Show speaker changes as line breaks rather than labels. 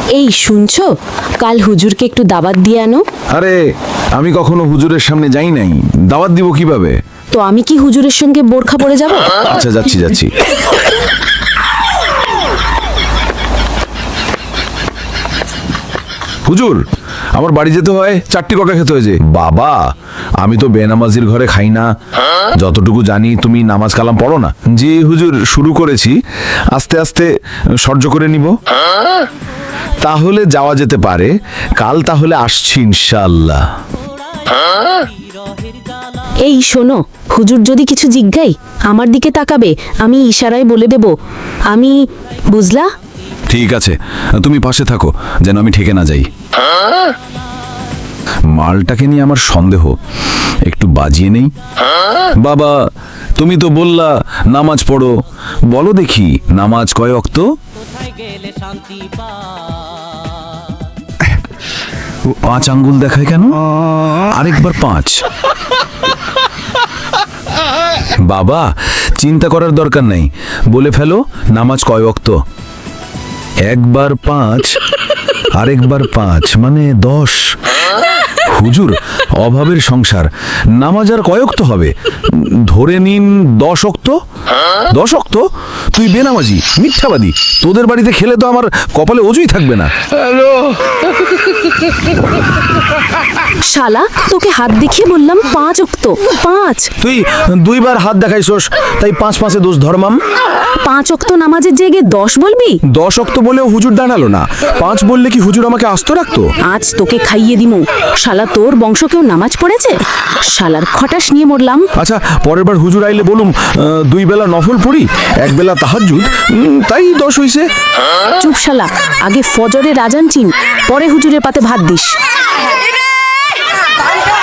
এই শুনছো, কাল হুজুরকে একটু দাওয়াত দিয়ে আনো।
আরে আমি কখনো হুজুরের সামনে যাই নাই, দাওয়াত দিব কিভাবে?
তো আমি কি হুজুরের সঙ্গে বোরখা পরে যাব?
আচ্ছা যাচ্ছি যাচ্ছি। হুজুর, আমার বাড়ি যেতে হয়, 4টি ককা খেতে হয়েছে। বাবা, আমি তো বেনামাজির ঘরে খাই না, যতটুকু জানি তুমি নামাজ কালাম পড়ো না। জি হুজুর, শুরু করেছি, আস্তে আস্তে সহ্য করে নিব। তাহলে যাওয়া যেতে পারে, কাল তাহলে আসছি ইনশাআল্লাহ।
এই শোনো, হুজুর যদি কিছু জিজ্ঞাই আমার দিকে তাকাবে, আমি ইশারায় বলে দেব আমি, বুঝলা?
ঠিক আছে, তুমি পাশে থাকো যেন আমি ঠেকে না যাই। মালটাকে নিয়ে আমার সন্দেহ, একটু বাজিয়ে নেই। বাবা, তুমি তো বললা নামাজ পড়ো, বলো দেখি নামাজ কয় ওয়াক্ত? পাঁচ আঙ্গুল দেখায় কেন? আরেকবার 5। বাবা, চিন্তা করার দরকার নেই, বলে ফেলো নামাজ কয় ওয়াক্ত। একবার 5, আরেকবার 5 মানে 10। হুজুর, অভাবের সংসার, নামাজ আর কয় ওয়াক্ত হবে? ধরে নিন 10 ওয়াক্ত। 10 ওয়াক্ত? তুই বেনামাজি, মিথ্যাবাদী, তোদের বাড়িতে খেলে তো আমার কপালে অজুই থাকবে না।
শালা, তোকে হাত দেখিয়ে বললাম 5 ওয়াক্ত, 5।
তুই 2বার হাত দেখাইছস, তাই 5 5-এ দোষ ধরমাম।
5 ওয়াক্ত নামাজের জায়গায় 10 বলবি?
10 ওয়াক্ত বলেও হুজুর দাঁড়ালো না, 5 বললে কি হুজুর আমাকে আস্ত রাখতো?
আজ তোকে খাইয়ে দিমু। শালা, তোর বংশ কেউ নামাজ পড়েছে? শালার খটাস নিয়ে মরলাম।
আচ্ছা, পরের বার হুজুর আইলে বলুম 2 বেলা নফল পড়ি, 1 বেলা তাহাজ্জুদ, তাই 10 হইছে।
চুপ শালা, আগে ফজরের আজান চিন, পরে হুজুরের পাতে ভাত দিস।